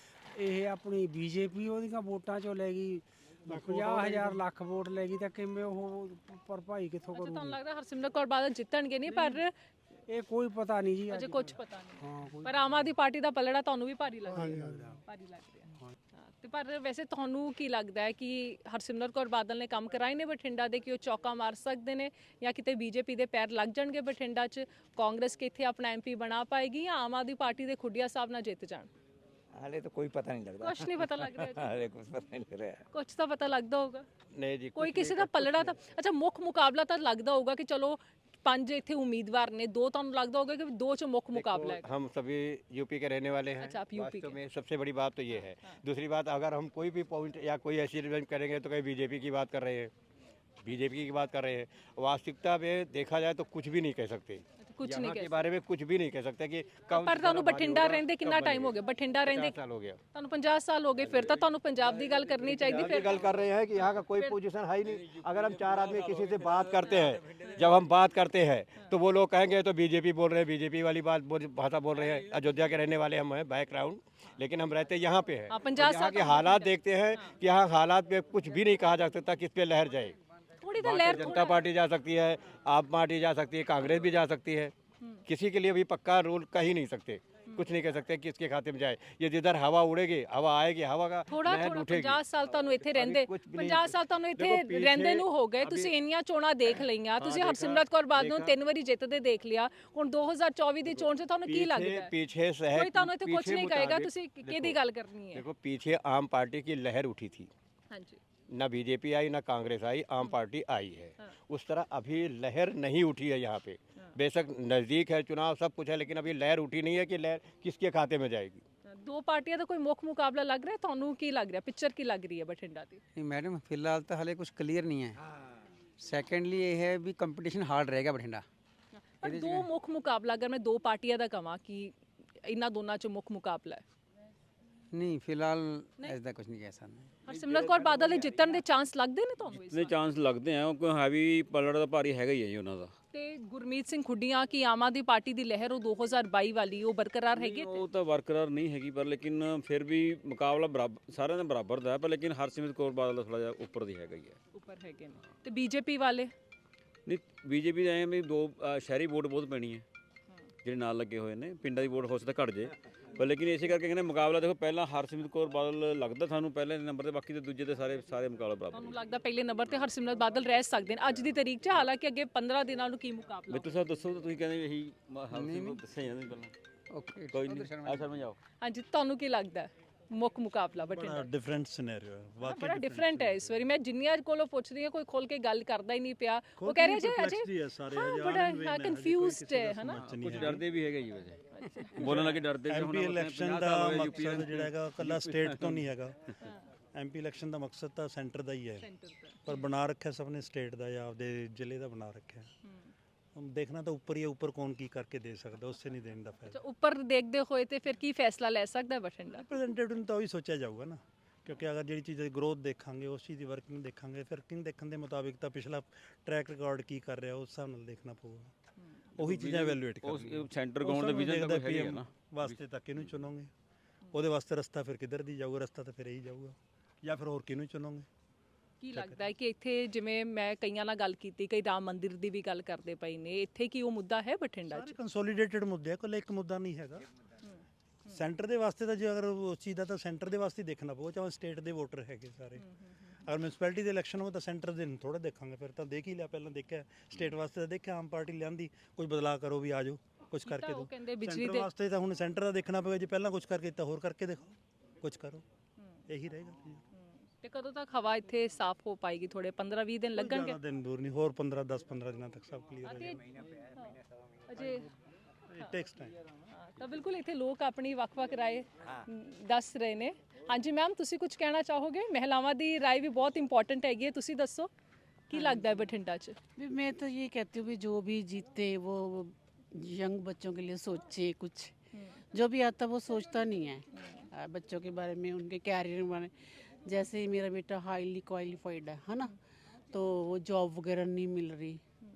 ਇਹ ਆਪਣੀ ਬੀਜੇਪੀ ਉਹਦੀਆਂ ਵੋਟਾਂ ਚੋਂ ਲੈ ਗਈ ਪੰਜਾਹ ਹਜ਼ਾਰ ਲੱਖ ਵੋਟ ਲੈ ਗਈ, ਤਾਂ ਕਿਵੇਂ ਉਹ ਭਰਪਾਈ ਕਿੱਥੋਂ
ਅੱਛਾ, ਤੁਹਾਨੂੰ
ਕਰੂਗੀ?
ਲੱਗਦਾ ਹਰਸਿਮਰਤ ਕੌਰ ਬਾਦਲ ਜਿੱਤਣਗੇ ਨਹੀਂ, ਪਰ
ਇਹ ਕੋਈ ਪਤਾ ਨਹੀਂ ਜੀ।
ਅਜੇ
ਅੱਜ
ਕੁਝ ਪਤਾ ਨਹੀਂ।
ਹਾਂ ਕੋਈ
ਪਰ ਆਮ ਆਦਮੀ ਪਾਰਟੀ ਦਾ ਪਲੜਾ ਤੁਹਾਨੂੰ ਵੀ ਭਾਰੀ ਲੱਗ ਰਿਹਾ? ਭਾਰੀ ਲੱਗ ਰਿਹਾ। ਹਾਂ, ਤੇ ਪਰ ਵੈਸੇ ਤੁਹਾਨੂੰ ਕੀ ਲੱਗਦਾ ਹੈ ਕਿ ਹਰਸਿਮਰਤ ਕੌਰ ਬਾਦਲ ਨੇ ਕੰਮ ਕਰਾਏ ਨੇ ਬਠਿੰਡਾ ਦੇ ਕਿ ਉਹ ਚੌਕਾ ਮਾਰ ਸਕਦੇ ਨੇ, ਜਾਂ ਕਿਤੇ ਬੀਜੇਪੀ ਦੇ ਪੈਰ ਲੱਗ ਜਾਣਗੇ ਬਠਿੰਡਾ 'ਚ? ਕਾਂਗਰਸ ਕਿੱਥੇ ਆਪਣਾ ਐਮਪੀ ਬਣਾ ਪਾਏਗੀ, ਜਾਂ ਆਮ ਆਦਮੀ ਪਾਰਟੀ ਦੇ ਖੁੱਡੀਆਂ ਸਾਹਿਬ ਨਾਲ ਜਿੱਤ ਜਾਣ?
हाले तो कोई पता नहीं लगता।
ਕੁਛ ਨਹੀਂ ਪਤਾ ਲੱਗ ਰਿਹਾ?
हाले कुछ पता नहीं लग रहा है।
ਕੁਛ ਤਾਂ ਪਤਾ ਲੱਗਦਾ ਹੋਊਗਾ।
ਨਹੀਂ ਜੀ,
ਕੋਈ ਕਿਸੇ ਦਾ ਪਲੜਾ ਤਾਂ ਅੱਛਾ ਮੁੱਖ ਮੁਕਾਬਲਾ ਤਾਂ ਲੱਗਦਾ ਹੋਊਗਾ ਕਿ ਚਲੋ ਪੰਜ ਇੱਥੇ ਉਮੀਦਵਾਰ ਨੇ, ਦੋ ਤੁਹਾਨੂੰ ਲੱਗਦਾ ਹੋਊਗਾ ਕਿ ਦੋ 'ਚ ਮੁੱਖ ਮੁਕਾਬਲਾ ਹੈ?
हम सभी यूपी के रहने वाले हैं।
अच्छा, आप यूपी
वास्तव
के।
में सबसे बड़ी बात तो ये है। दूसरी बात, अगर हम कोई भी पॉइंट या कोई ऐसी रिजल्ट करेंगे तो कहीं बीजेपी की बात कर रहे हैं, बीजेपी की बात कर रहे हैं। वास्तविकता में देखा जाए तो कुछ भी नहीं कह सकते।
अच्छा, ਕੁਝ ਨਹੀਂ
यहाँ
ਕਹਿ
के बारे में कुछ भी नहीं कह सकते कि कब
ਪਰ ਤੁਹਾਨੂੰ ਬਠਿੰਡਾ ਰਹਿੰਦੇ ਕਿੰਨਾ ਟਾਈਮ ਹੋ ਗਿਆ ਬਠਿੰਡਾ ਰਹਿੰਦੇ
साल हो गया
ਤੁਹਾਨੂੰ ਪੰਜਾਹ ਸਾਲ ਹੋ ਗਏ ਫਿਰ ਤਾਂ ਤੁਹਾਨੂੰ ਪੰਜਾਬ ਦੀ ਗੱਲ ਕਰਨੀ ਚਾਹੀਦੀ
यहाँ की
ਫਿਰ
गल कर रहे हैं कि यहाँ का कोई पोजीशन है ही नहीं। अगर हम चार आदमी किसी से बात करते हैं, जब हम बात करते हैं तो वो लोग कहेंगे तो बीजेपी बोल रहे हैं, बीजेपी वाली बात बोल- भाषा बोल रहे हैं। अयोध्या के रहने वाले हम हैं बैकग्राउंड, लेकिन हम रहते यहाँ पे हैं।
हाँ, पंजाब
और यहाँ
साल
के हालात देखते हैं कि यहाँ हालात पे कुछ भी नहीं कहा जा सकता किस पे लहर जाए।
ਥੋੜੀ ਤਾਂ
भारतीय
ਲਹਿਰ
जनता पार्टी जा सकती है, आप पार्टी जा सकती है, कांग्रेस भी जा सकती है। किसी के लिए भी पक्का रूल कह ही नहीं सकते, कुछ नहीं कह सकते कि इसके खाते में जाए। ये जिधर हवा उड़ेगी, हवा आएगी, हवा का
ਥੋੜਾ
लहर
ਥੋੜਾ
उठेगी।
ਪੰਜਾਹ ਸਾਲ ਤੁਹਾਨੂੰ ਇੱਥੇ ਰਹਿੰਦੇ
ਕੁਛ ਵੀ ਨਹੀਂ
ਪੰਜਾਹ ਸਾਲ ਤੁਹਾਨੂੰ ਇੱਥੇ
ਦੇਖੋ ਪਿੱਛੇ
ਰਹਿੰਦੇ ਨੂੰ ਹੋ ਗਏ
ਅਭੀ-
ਤੁਸੀਂ ਇੰਨੀਆਂ ਚੋਣਾਂ ਦੇਖ ਲਈਆਂ ਤੁਸੀਂ
ਦੇਖਾ,
ਹਰਸਿਮਰਤ ਕੌਰ ਬਾਦਲ ਨੂੰ
ਦੇਖਾ।
ਤਿੰਨ ਵਾਰੀ ਜਿੱਤਦੇ ਦੇਖ ਲਿਆ ਹੁਣ ਦੋ ਹਜ਼ਾਰ ਚੌਵੀ ਦੀ ਚੋਣ 'ਚ ਤੁਹਾਨੂੰ ਕੀ
पीछे
ਲੱਗਦਾ ਹੈ?
पीछे शहर
ਕੋਈ ਤੁਹਾਨੂੰ ਇੱਥੇ ਕੁਝ
पीछे
ਨਹੀਂ ਕਹੇਗਾ
मुताबिक-
ਤੁਸੀਂ ਕਿਹਦੀ
देखो,
ਗੱਲ ਕਰਨੀ ਹੈ
देखो पीछे आम पार्टी की लहर उठी थी,
ਹਾਂਜੀ
ना बीजेपी आई ना कांग्रेस आई, आम पार्टी आई है। उस तरह अभी लहर नहीं उठी है यहाँ पे। बेशक नज़दीक है चुनाव, सब कुछ है, लेकिन अभी लहर उठी नहीं है कि लहर किसके खाते में जाएगी।
ਦੋ ਪਾਰਟੀਆਂ ਦਾ ਕੋਈ ਮੁੱਖ ਮੁਕਾਬਲਾ ਲੱਗ ਰਿਹਾ ਤੁਹਾਨੂੰ ਕੀ ਲੱਗ ਰਿਹਾ ਪਿਕਚਰ ਕੀ ਲੱਗ ਰਹੀ ਹੈ ਬਠਿੰਡਾ ਦੀ
नहीं मैडम फिलहाल तो हाले कुछ क्लियर नहीं है। सेकेंडली ये है भी कंपटीशन हार्ड रहेगा बठिंडा।
ਪਰ ਦੋ ਮੁੱਖ ਮੁਕਾਬਲਾ ਅਗਰ ਮੈਂ ਦੋ ਪਾਰਟੀਆਂ ਦਾ ਕਹਾਂ ਕਿ ਇਹਨਾਂ ਦੋਨਾਂ 'ਚ ਮੁੱਖ ਮੁਕਾਬਲਾ ਹੈ
नहीं फिलहाल ऐसा कुछ नहीं कह सकते।
ਹਰਸਿਮਰਤ ਕੌਰ ਬਾਦਲ ਦੇ ਜਿੱਤਣ ਦੇ ਚਾਂਸ ਲੱਗਦੇ ਨੇ ਤੁਹਾਨੂੰ ਇਸ
ਨੇ ਚਾਂਸ ਲੱਗਦੇ ਆ ਕਿਉਂਕਿ ਹੈਵੀ ਪਲੜ ਦਾ ਭਾਰੀ ਹੈਗਾ ਹੀ ਹੈ ਜੀ ਉਹਨਾਂ ਦਾ।
ਤੇ ਗੁਰਮੀਤ ਸਿੰਘ ਖੁੱਡੀਆਂ ਕੀ ਆਮ ਆਦਮੀ ਪਾਰਟੀ ਦੀ ਲਹਿਰ ਉਹ ਦੋ ਹਜ਼ਾਰ ਬਾਈ ਵਾਲੀ ਉਹ ਬਰਕਰਾਰ ਹੈਗੀ ਹੈ
ਉਹ ਤਾਂ ਵਰਕਰਾਰ ਨਹੀਂ ਹੈਗੀ ਪਰ ਲੇਕਿਨ ਫਿਰ ਵੀ ਮੁਕਾਬਲਾ ਬਰਾਬਰ ਸਾਰਿਆਂ ਦਾ ਬਰਾਬਰ ਦਾ ਹੈ ਪਰ ਲੇਕਿਨ ਹਰਸਿਮਰਤ ਕੌਰ ਬਾਦਲ ਦਾ ਥੋੜਾ ਜਿਹਾ ਉੱਪਰ ਦੀ ਹੈਗਾ ਹੀ ਹੈ।
ਉੱਪਰ ਹੈਗੇ ਨੇ ਤੇ ਬੀਜੇਪੀ ਵਾਲੇ
ਨਹੀਂ ਬੀਜੇਪੀ ਦੇ ਐਂ ਵੀ ਦੋ ਅ, ਸ਼ਹਿਰੀ ਵੋਟ ਬਹੁਤ ਪੈਣੀ ਹੈ ਜਿਹੜੇ ਨਾਲ ਲੱਗੇ ਹੋਏ ਨੇ, ਪਿੰਡਾਂ ਦੀ ਵੋਟ ਹੋ ਸਕਦਾ ਘਟ ਜੇ ਪਰ ਲੇਕਿਨ ਇਸੇ ਕਰਕੇ ਕਹਿੰਦੇ ਮੁਕਾਬਲਾ ਦੇਖੋ ਪਹਿਲਾਂ ਹਰਸਿਮਰਤ ਕੌਰ ਬਾਦਲ ਲੱਗਦਾ ਸਾਨੂੰ ਪਹਿਲੇ ਨੰਬਰ ਤੇ, ਬਾਕੀ ਤੇ ਦੂਜੇ ਤੇ ਸਾਰੇ ਸਾਰੇ ਮੁਕਾਬਲਾ ਬਰਾਬਰ
ਤੁਹਾਨੂੰ ਲੱਗਦਾ ਪਹਿਲੇ ਨੰਬਰ ਤੇ ਹਰਸਿਮਰਤ ਬਾਦਲ ਰਹਿ ਸਕਦੇ ਨੇ ਅੱਜ ਦੀ ਤਾਰੀਖ 'ਚ ਹਾਲਾਂਕਿ ਅੱਗੇ ਪੰਦਰਾਂ ਦਿਨਾਂ ਨੂੰ ਕੀ ਮੁਕਾਬਲਾ
ਮਿੱਤਰ ਸਾਹਿਬ ਦੱਸੋ ਤਾਂ ਤੁਸੀਂ ਕਹਿੰਦੇ ਇਹੀ ਹਰਸਿਮਰਤ ਦੱਸਿਆ ਜਾਂਦਾ ਪਹਿਲਾਂ
ओके
ਕੋਈ ਨਹੀਂ ਆ ਸ਼ਰਮਾ ਜਾਓ।
ਹਾਂਜੀ ਤੁਹਾਨੂੰ ਕੀ ਲੱਗਦਾ ਹੈ? ਮੁੱਖ ਮੁਕਾਬਲਾ ਬਠਿੰਡਾ
ਡਿਫਰੈਂਟ ਸਿਨੈਰੀਓ ਹੈ
ਹਾਂ, ਬੜਾ ਡਿਫਰੈਂਟ ਹੈ ਇਸ ਵਾਰੀ ਮੈਂ ਜਿੰਨੀਆਂ ਕੋਲੋਂ ਪੁੱਛ ਰਹੀ ਹਾਂ ਕੋਈ ਖੋਲ ਕੇ ਗੱਲ ਕਰਦਾ ਹੀ ਨਹੀਂ ਪਿਆ ਉਹ ਕਹਿ ਰਹੇ ਜੀ ਅਜੇ ਹਾਂ ਬੜਾ ਹਾਂ ਕਨਫਿਊਜ਼ਡ ਹੈ ਹਨਾ
ਕੁਝ ਡਰਦੇ ਵੀ ਹੈਗੇ ਜੀ ਵੈਸੇ ਬੋਲਣ ਲੱਗੇ ਡਰਦੇ ਵੀ
ਐਮਪੀ ਇਲੈਕਸ਼ਨ ਦਾ ਮਕਸਦ ਜਿਹੜਾ ਹੈਗਾ ਕੱਲਾ ਸਟੇਟ ਤੋਂ ਨਹੀਂ ਹੈਗਾ। ਐਮਪੀ ਇਲੈਕਸ਼ਨ ਦਾ ਮਕਸਦ ਤਾਂ ਸੈਂਟਰ ਦਾ ਹੀ ਹੈ, ਪਰ ਬਣਾ ਰੱਖਿਆ ਸਭ ਨੇ ਸਟੇਟ ਦਾ ਜਾਂ ਆਪਦੇ ਜ਼ਿਲ੍ਹੇ ਦਾ ਬਣਾ ਰੱਖਿਆ। ਹੁਣ ਦੇਖਣਾ ਤਾਂ ਉੱਪਰ ਹੀ ਹੈ, ਉੱਪਰ ਕੌਣ ਕੀ ਕਰਕੇ ਦੇ ਸਕਦਾ, ਉਸੇ ਨਹੀਂ ਦੇਣ ਦਾ ਫਾਇਦਾ।
ਉੱਪਰ ਦੇਖਦੇ ਹੋਏ ਤੇ ਫਿਰ ਕੀ ਫੈਸਲਾ ਲੈ ਸਕਦਾ ਬਠਿੰਡਾ?
ਰਿਪਰੈਜ਼ੈਂਟੇਟਿਵ ਨੂੰ ਤਾਂ ਉਹੀ ਸੋਚਿਆ ਜਾਊਗਾ ਨਾ, ਕਿਉਂਕਿ ਅਗਰ ਜਿਹੜੀ ਚੀਜ਼ ਦੀ ਗਰੋਥ ਦੇਖਾਂਗੇ ਉਸ ਚੀਜ਼ ਦੀ ਵਰਕਿੰਗ ਦੇਖਾਂਗੇ ਫਿਰ ਕਿੰਗ ਦੇਖਣ ਦੇ ਮੁਤਾਬਿਕ ਤਾਂ ਪਿਛਲਾ ਟਰੈਕ ਰਿਕਾਰਡ ਕੀ ਕਰ ਰਿਹਾ ਉਸ ਹਿਸਾਬ ਨਾਲ ਦੇਖਣਾ ਪਊਗਾ। ਉਹੀ ਚੀਜ਼ਾਂ ਇਵੈਲੂਏਟ ਕਰਨੀਆਂ।
ਉਹ ਸੈਂਟਰ ਗਰਾਊਂਡ ਦਾ ਵਿਜ਼ਨ ਤਾਂ ਕੋਈ ਹੈ ਨਾ
ਵਾਸਤੇ ਤਾਂ ਕਿਹਨੂੰ ਚੁਣੋਗੇ, ਉਹਦੇ ਵਾਸਤੇ ਰਸਤਾ ਫਿਰ ਕਿੱਧਰ ਦੀ ਜਾਊਗਾ, ਰਸਤਾ ਤਾਂ ਫਿਰ ਇਹੀ ਜਾਊਗਾ ਜਾਂ ਫਿਰ ਹੋਰ ਕਿਹਨੂੰ ਚੁਣੋਗੇ।
ਕੀ ਲੱਗਦਾ ਹੈ ਕਿ ਇੱਥੇ ਜਿਵੇਂ ਮੈਂ ਕਈਆਂ ਨਾਲ ਗੱਲ ਕੀਤੀ ਕਈ ਰਾਮ ਮੰਦਿਰ ਦੀ ਵੀ ਗੱਲ ਕਰਦੇ ਪਏ ਨੇ ਇੱਥੇ ਕੀ ਉਹ ਮੁੱਦਾ ਹੈ ਬਠਿੰਡਾ 'ਚ?
ਕੰਸੋਲੀਡੇਟਡ ਮੁੱਦੇ ਆ, ਕੋਈ ਇੱਕ ਮੁੱਦਾ ਨਹੀਂ ਹੈਗਾ। ਸੈਂਟਰ ਦੇ ਵਾਸਤੇ ਤਾਂ ਜੇ ਅਗਰ ਉਸ ਚੀਜ਼ ਦਾ ਤਾਂ ਸੈਂਟਰ ਦੇ ਵਾਸਤੇ ਹੀ ਦੇਖਣਾ ਪਊ, ਚਾਹੇ ਸਟੇਟ ਦੇ ਵੋਟਰ ਹੈਗੇ ਸਾਰੇ। ਅਗਰ ਮਿਊਨਿਸਪੈਲਿਟੀ ਦੇ ਇਲੈਕਸ਼ਨ ਹੋ ਤਾਂ ਸੈਂਟਰ ਦੇ ਨੂੰ ਥੋੜਾ ਦੇਖਾਂਗੇ, ਫਿਰ ਤਾਂ ਦੇਖ ਹੀ ਲਿਆ ਪਹਿਲਾਂ ਦੇਖਿਆ ਸਟੇਟ ਵਾਸਤੇ ਤਾਂ ਦੇਖਿਆ ਆਮ ਪਾਰਟੀ ਲਿਆਂਦੀ ਕੁਝ ਬਦਲਾਅ ਕਰੋ ਵੀ ਆ ਜਾਓ ਕੁਝ ਕਰਕੇ
ਉਹ
ਦਿਓ।
ਕਹਿੰਦੇ ਬਿਜਲੀ
ਸੈਂਟਰ
ਦੇ
ਵਾਸਤੇ ਤਾਂ ਹੁਣ ਸੈਂਟਰ ਦਾ ਦੇਖਣਾ ਪਵੇਗਾ, ਜੇ ਪਹਿਲਾਂ ਕੁਝ ਕਰਕੇ ਦਿੱਤਾ ਹੋਰ ਕਰਕੇ ਦੇਖੋ ਕੁਝ ਕਰੋ, ਇਹੀ ਰਹੇਗਾ।
ਤੇ ਕਦੋਂ ਤੱਕ ਹਵਾ ਇੱਥੇ ਸਾਫ਼ ਹੋ ਪਾਏਗੀ? ਥੋੜੇ ਪੰਦਰਾਂ ਵੀਹ ਦਿਨ ਲੱਗਣਗੇ?
ਜ਼ਿਆਦਾ ਦਿਨ ਦੂਰ ਨਹੀਂ, ਹੋਰ ਪੰਦਰਾਂ ਦਸ ਪੰਦਰਾਂ ਦਿਨਾਂ ਤੱਕ ਸਭ ਕਲੀਅਰ ਹੋ ਜਾਏਗਾ।
ਅਜੇ
ਇਟ ਟੇਕਸ ਟਾਈਮ।
ਹਾਂ, ਤਾਂ ਬਿਲਕੁਲ ਇੱਥੇ ਲੋਕ ਆਪਣੀ ਵੱਖ-ਵੱਖ ਰਾਏ ਦੱਸ ਰਹੇ ਨੇ। ਹਾਂਜੀ ਮੈਮ ਤੁਸੀਂ ਕੁਝ ਕਹਿਣਾ ਚਾਹੋਗੇ? ਮਹਿਲਾਵਾਂ ਦੀ ਰਾਏ ਵੀ ਬਹੁਤ ਇੰਪੋਰਟੈਂਟ ਹੈਗੀ ਹੈ, ਤੁਸੀਂ ਦੱਸੋ ਕੀ ਲੱਗਦਾ ਹੈ ਬਠਿੰਡਾ 'ਚ?
भी मैं तो ये कहती हूँ भी जो भी जीते वो यंग बच्चों के लिए सोचे कुछ, जो भी आता वो सोचता नहीं है आ, बच्चों के बारे में उनके कैरियर के बारे में। जैसे ही मेरा बेटा हाईली क्वालिफाइड है है ना, तो वो जॉब वगैरह नहीं मिल रही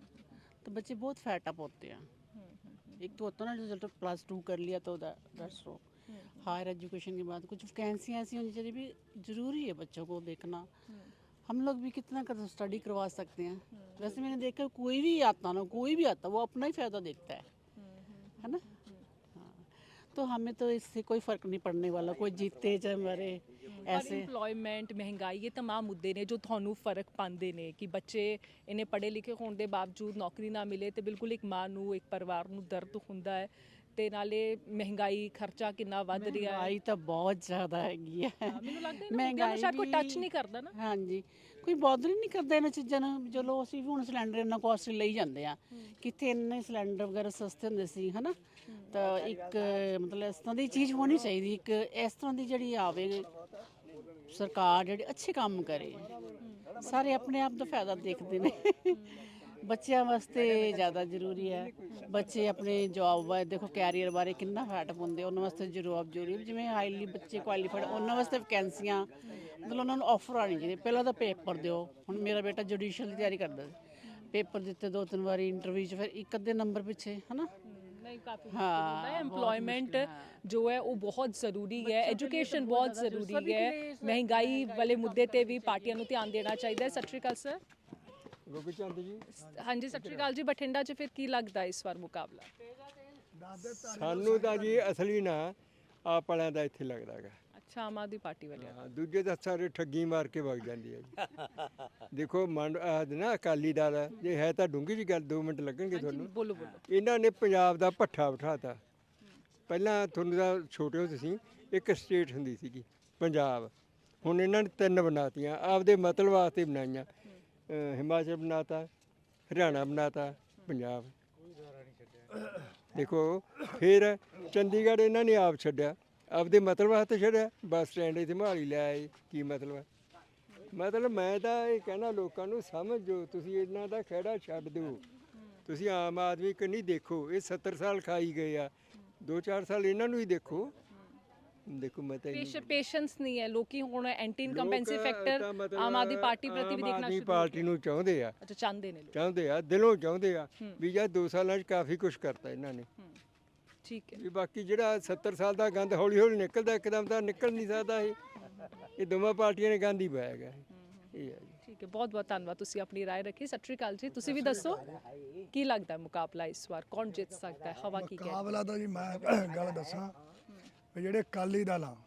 तो बच्चे बहुत फैट अप होते हैं। एक तो होता है ना जो प्लस टू कर लिया तो दैट्स रो हायर एजुकेशन के बाद कुछ वैकेंसियाँ ऐसी होनी चाहिए भी ज़रूरी है बच्चों को देखना। हम लोग भी कितना कर स्टडी करवा सकते हैं। वैसे मैंने देखा कोई भी आता ना कोई भी आता वो अपना ही फ़ायदा देखता है है ना। हाँ तो हमें तो इससे कोई फ़र्क नहीं पड़ने वाला, कोई जीते चाहे मरे ऐसे।
ਇੰਪਲੋਇਮੈਂਟ ਮਹਿੰਗਾਈ ਇਹ तमाम ਮੁੱਦੇ ਨੇ ਜੋ ਤੁਹਾਨੂੰ ਫਰਕ ਪਾਉਂਦੇ ਨੇ ਕਿ ਬੱਚੇ ਇਹਨੇ ਪੜ੍ਹੇ ਲਿਖੇ ਹੋਣ ਦੇ ਬਾਵਜੂਦ ਨੌਕਰੀ ਨਾ ਮਿਲੇ ਤੇ ਬਿਲਕੁਲ ਇੱਕ ਮਾਂ ਨੂੰ ਇੱਕ ਪਰਿਵਾਰ ਨੂੰ ਦਰਦ ਹੁੰਦਾ ਹੈ ਤੇ ਨਾਲੇ ਮਹਿੰਗਾਈ ਖਰਚਾ ਕਿੰਨਾ ਵੱਧ ਰਿਹਾ ਹੈ।
ਮਹਿੰਗਾਈ ਤਾਂ ਬਹੁਤ ਜ਼ਿਆਦਾ ਹੈਗੀ ਹੈ।
ਮੈਨੂੰ ਲੱਗਦਾ ਇਹਨਾਂ ਮੁੱਦਿਆਂ ਨੂੰ ਸ਼ਾਇਦ ਕੋਈ ਟੱਚ ਨਹੀਂ ਕਰਦਾ ਨਾ।
ਹਾਂਜੀ ਕੋਈ ਬੌਦਰ ਹੀ ਨਹੀਂ ਕਰਦਾ ਇਹਨਾਂ ਚੀਜ਼ਾਂ ਨੂੰ। ਚਲੋ ਅਸੀਂ ਵੀ ਹੁਣ ਸਿਲੰਡਰ ਇੰਨਾ ਕੋਸਟਲੀ ਲਈ ਜਾਂਦੇ ਆ, ਕਿਤੇ ਇੰਨੇ ਸਿਲੰਡਰ ਵਗੈਰਾ ਸਸਤੇ ਹੁੰਦੇ ਸੀ ਹਨਾ। ਤਾਂ ਇੱਕ ਮਤਲਬ ਇਸ ਤਰ੍ਹਾਂ ਦੀ ਚੀਜ਼ ਹੋਣੀ ਚਾਹੀਦੀ, ਇੱਕ ਇਸ ਤਰ੍ਹਾਂ ਦੀ ਜਿਹੜੀ ਆਵੇ ਸਰਕਾਰ ਜਿਹੜੀ ਅੱਛੇ ਕੰਮ ਕਰੇ। ਸਾਰੇ ਆਪਣੇ ਆਪ ਦਾ ਫਾਇਦਾ ਦੇਖਦੇ ਨੇ ਬੱਚਿਆਂ ਵਾਸਤੇ ਜ਼ਿਆਦਾ ਜ਼ਰੂਰੀ ਹੈ। ਬੱਚੇ ਆਪਣੇ ਜੌਬ ਬਾਰੇ ਦੇਖੋ, ਕੈਰੀਅਰ ਬਾਰੇ ਕਿੰਨਾ ਫਾਟ ਪਾਉਂਦੇ, ਉਹਨਾਂ ਵਾਸਤੇ ਜੌਬ ਜ਼ਰੂਰੀ ਹੈ। ਜਿਵੇਂ ਹਾਈਲੀ ਬੱਚੇ ਕੁਆਲੀਫਾਈਡ, ਉਹਨਾਂ ਵਾਸਤੇ ਵੈਕੈਂਸੀਆਂ ਮਤਲਬ ਉਹਨਾਂ ਨੂੰ ਆਫਰ ਆਉਣੀ ਚਾਹੀਦੀ। ਪਹਿਲਾਂ ਤਾਂ ਪੇਪਰ ਦਿਓ। ਹੁਣ ਮੇਰਾ ਬੇਟਾ ਜੁਡੀਸ਼ੀਅਲ ਦੀ ਤਿਆਰੀ ਕਰਦਾ ਸੀ, ਪੇਪਰ ਦਿੱਤੇ ਦੋ ਤਿੰਨ ਵਾਰੀ ਇੰਟਰਵਿਊ 'ਚ, ਫਿਰ ਇੱਕ ਅੱਧੇ ਨੰਬਰ ਪਿੱਛੇ ਹੈ ਨਾ।
ਨਹੀਂ, ਕਾਫੀ ਮੁਸ਼ਕਿਲ ਹੁੰਦਾ ਹੈ। एम्प्लॉयमेंट जो है वो बहुत ਜ਼ਰੂਰੀ ਹੈ, ਐਜੂਕੇਸ਼ਨ ਬਹੁਤ ਜ਼ਰੂਰੀ ਹੈ। ਮਹਿੰਗਾਈ ਵਾਲੇ ਮੁੱਦੇ ਤੇ ਵੀ ਪਾਰਟੀਆਂ ਨੂੰ ਧਿਆਨ ਦੇਣਾ ਚਾਹੀਦਾ ਹੈ। ਸਤਿ ਸ਼੍ਰੀ ਅਕਾਲ ਸਰ।
ਗੋਗੀ ਚੰਦ ਜੀ,
ਹਾਂਜੀ ਸਤਿ ਸ਼੍ਰੀ ਅਕਾਲ ਜੀ। ਬਠਿੰਡਾ 'ਚ ਫਿਰ ਕੀ ਲੱਗਦਾ ਇਸ ਵਾਰ ਮੁਕਾਬਲਾ?
ਸਾਨੂੰ ਤਾਂ ਜੀ ਅਸਲੀ ਨਾ ਆਪ ਵਾਲਿਆਂ ਦਾ ਇੱਥੇ ਲੱਗਦਾ ਹੈਗਾ।
ਅੱਛਾ, ਆਮ ਆਦਮੀ ਪਾਰਟੀ ਵਾਲਿਆਂ
ਹਾਂ, ਦੂਜੇ ਤਾਂ ਸਾਰੇ ਠੱਗੀ ਮਾਰ ਕੇ ਵਗ ਜਾਂਦੀ ਹੈ ਜੀ। ਦੇਖੋ ਮੰਡ ਆਹ ਨਾ ਅਕਾਲੀ ਦਲ ਜੇ ਹੈ ਤਾਂ ਡੂੰਘੀ ਜੀ ਗੱਲ, ਦੋ ਮਿੰਟ ਲੱਗਣਗੇ ਤੁਹਾਨੂੰ।
ਬੋਲੋ ਬੋਲੋ।
ਇਹਨਾਂ ਨੇ ਪੰਜਾਬ ਦਾ ਭੱਠਾ ਬਿਠਾਤਾ। ਪਹਿਲਾਂ ਤੁਹਾਨੂੰ ਤਾਂ ਛੋਟੇ ਹੋ ਤੁਸੀਂ, ਇੱਕ ਸਟੇਟ ਹੁੰਦੀ ਸੀਗੀ ਪੰਜਾਬ, ਹੁਣ ਇਹਨਾਂ ਨੇ ਤਿੰਨ ਬਣਾਤੀਆਂ ਆਪਦੇ ਮਤਲਬ ਵਾਸਤੇ ਬਣਾਈਆਂ। ਅਹ ਹਿਮਾਚਲ ਬਣਾਤਾ, ਹਰਿਆਣਾ ਬਣਾਤਾ, ਪੰਜਾਬ। ਦੇਖੋ ਫਿਰ ਚੰਡੀਗੜ੍ਹ ਇਹਨਾਂ ਨੇ ਆਪ ਛੱਡਿਆ, ਆਪਦੇ ਮਤਲਬ ਵਾਸਤੇ ਛੱਡਿਆ। ਬੱਸ ਸਟੈਂਡ ਇੱਥੇ ਮੋਹਾਲੀ ਲੈ ਆਏ, ਕੀ ਮਤਲਬ ਹੈ? ਮਤਲਬ ਮੈਂ ਤਾਂ ਇਹ ਕਹਿਣਾ ਲੋਕਾਂ ਨੂੰ, ਸਮਝੋ ਤੁਸੀਂ ਇਹਨਾਂ ਦਾ ਖਹਿੜਾ ਛੱਡ ਦਿਓ। ਤੁਸੀਂ ਆਮ ਆਦਮੀ ਕੰਨੀ ਦੇਖੋ, ਇਹ ਸੱਤਰ ਸਾਲ ਖਾਈ ਗਏ ਆ, ਦੋ ਚਾਰ ਸਾਲ ਇਹਨਾਂ ਨੂੰ ਹੀ ਦੇਖੋ। ਦੇਖੋ ਮੈਂ ਤਾਂ
ਪੇਸ਼ੈਂਸ ਨਹੀਂ ਹੈ। ਲੋਕੀ ਹੁਣ anti incumbency factor Aam Aadmi Party ਪ੍ਰਤੀ ਵੀ ਦੇਖਣਾ
ਆਮ ਆਦਮੀ
ਸ਼ੁਰੂ
ਪਾਰਟੀ ਨੂੰ ਚਾਹੁੰਦੇ ਆ।
ਅੱਛਾ, ਚਾਹੁੰਦੇ ਨੇ ਲੋਕ।
ਚਾਹੁੰਦੇ ਆ, ਦਿਲੋਂ ਚਾਹੁੰਦੇ ਆ ਵੀ ਯਾਰ ਦੋ ਸਾਲਾਂ 'ਚ ਕਾਫੀ ਕੁਝ ਕਰਤਾ ਇਹਨਾਂ ਨੇ।
ਠੀਕ ਹੈ।
ਵੀ ਬਾਕੀ ਜਿਹੜਾ ਸੱਤਰ ਸਾਲ ਦਾ ਗੰਦ ਹੌਲੀ ਹੌਲੀ ਨਿਕਲਦਾ, ਇੱਕਦਮ ਤਾਂ ਨਿਕਲ ਨਹੀਂ ਸਕਦਾ। ਇਹ ਇਹ ਦੋਵਾਂ ਪਾਰਟੀਆਂ ਨੇ ਗੰਦ ਹੀ ਪਾਇਆ ਗਿਆ। ਇਹ ਹੈ ਜੀ।
ਠੀਕ ਹੈ, ਬਹੁਤ ਬਹੁਤ ਧੰਨਵਾਦ, ਤੁਸੀਂ ਆਪਣੀ ਰਾਏ ਰੱਖੀ। ਸਤਿ ਸ਼੍ਰੀ ਅਕਾਲ ਜੀ। ਤੁਸੀਂ ਵੀ ਦੱਸੋ ਕੀ ਲੱਗਦਾ ਮੁਕਾਬਲਾ ਇਸ ਵਾਰ ਕੌਣ ਜਿੱਤ ਸਕਦਾ ਹੈ? ਹਵਾ ਕੀ ਕਹਿ
ਮੁਕਾਬਲਾ ਤਾਂ ਜੀ ਮੈਂ ਗੱਲ ਦੱਸਾਂ ਵੀ ਜਿਹੜੇ ਅਕਾਲੀ ਦਲ ਆ,